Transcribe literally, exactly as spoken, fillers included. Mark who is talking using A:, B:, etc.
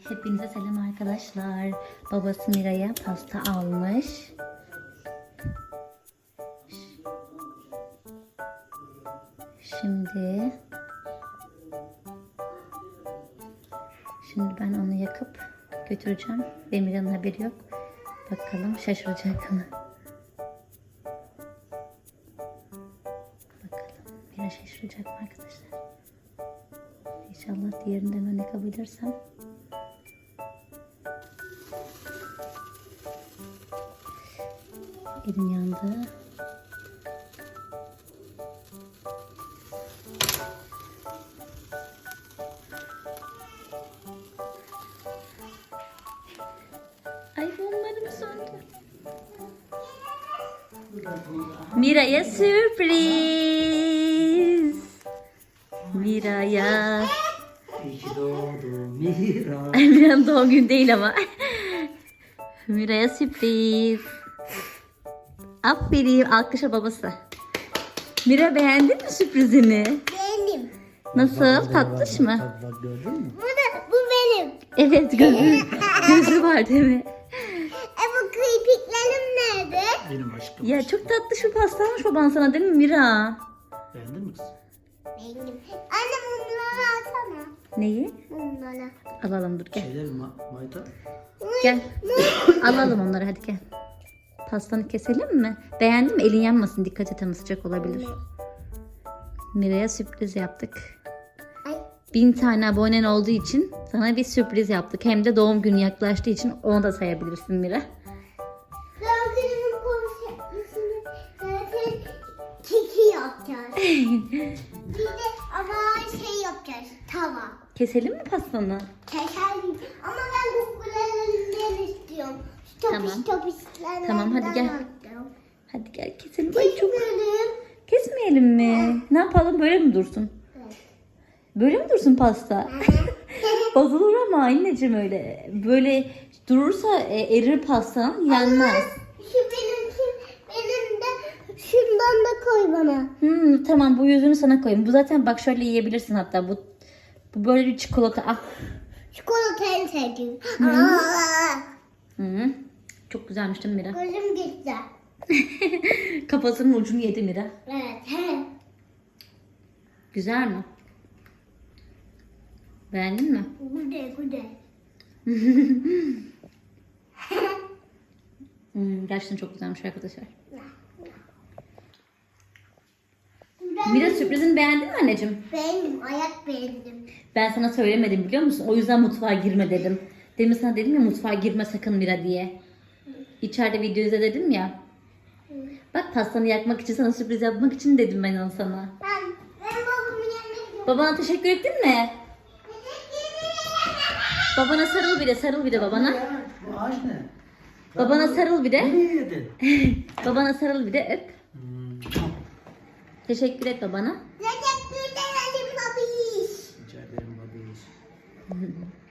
A: Hepinize selam arkadaşlar. Babası Mira'ya pasta almış. Şimdi Şimdi ben onu yakıp götüreceğim. Ve Mira'nın haberi yok. Bakalım şaşıracak mı? Bakalım Mira şaşıracak mı arkadaşlar? İnşallah diğerinden örnek alabilirsem. Elim yandı. Ay bunlarım söndü. Mira'ya sürpriz. Mira'ya.
B: İyi ki doğdun Mira.
A: Mira'nın doğum günü değil ama. Mira'ya sürpriz. Aferin. Alkışa babası. Mira beğendin mi sürprizini?
C: Benim.
A: Nasıl? Tatlış mı?
B: Bak, bak gördün mü?
C: Bu da bu benim.
A: Evet gözü, gözü var değil mi?
C: E bu kirpiklerim nerede?
B: Benim aşkım.
A: Ya çok tatlış bir pastamış baban sana değil mi Mira?
B: Beğendin mi kız?
C: Benim. Anne mumları alsana.
A: Neyi?
C: Mumları.
A: Alalım dur gel.
B: Şeyler ma mayta.
A: Gel. Alalım onları hadi gel. Pastanı keselim mi? Beğendin mi? Elin yanmasın. Dikkat et ama sıcak olabilir. Mira'ya sürpriz yaptık.
C: Ay.
A: Bin tane abonen olduğu için sana bir sürpriz yaptık. Hem de doğum günü yaklaştığı için onu da sayabilirsin Mira.
C: Doğum günümün konuşmasını zaten keki yapacağız. Bir de ama şey yapacağız. Tava.
A: Keselim mi pastanı?
C: Keserdim. Ama ben kukulelerinden istiyorum. Topiş
A: Tamam.
C: topişlerden
A: Tamam, hadi gel.
C: alacağım.
A: Hadi gel keselim. Ay çok...
C: Kesmedim.
A: Kesmeyelim mi? Ne yapalım böyle mi dursun?
C: Evet.
A: Böyle mi dursun pasta? Bozulur ama anneciğim öyle. Böyle durursa e, erir pastan yanmaz.
C: Şu benim, şu benim de şundan da koy bana.
A: Hmm, tamam bu yüzünü sana koyayım. Bu zaten bak şöyle yiyebilirsin hatta. Bu bu böyle bir çikolata. Ah.
C: Çikolata en sevdiğim. Aa,
A: Hı. Çok güzelmiş değil mi Mira?
C: gözüm gitti.
A: Kafasının ucunu yedi Mira.
C: Evet. He.
A: Güzel mi? Beğendin mi?
C: Güzel güzel.
A: Hmm, gerçekten çok güzelmiş arkadaşlar. Mira sürprizini beğendin mi anneciğim?
C: Beğendim. Ayak beğendim.
A: Ben sana söylemedim biliyor musun? O yüzden mutfağa girme dedim. Demin sana dedim ya mutfağa girme sakın Mira diye. İçeride video izle dedim ya. Bak pastanı yakmak için sana sürpriz yapmak için dedim ben onu sana.
C: Ben, ben babamın yanına gidiyorum.
A: Babana teşekkür ettin mi? Babana sarıl bir de sarıl bir de babana.
B: Ya, bu ağaç ne?
A: Babana sarıl bir de.
B: Bunu yedin.
A: Babana sarıl bir de öp.
B: Hmm.
A: Teşekkür et babana.
C: Teşekkür ederim babiş.
B: Rica ederim babiş.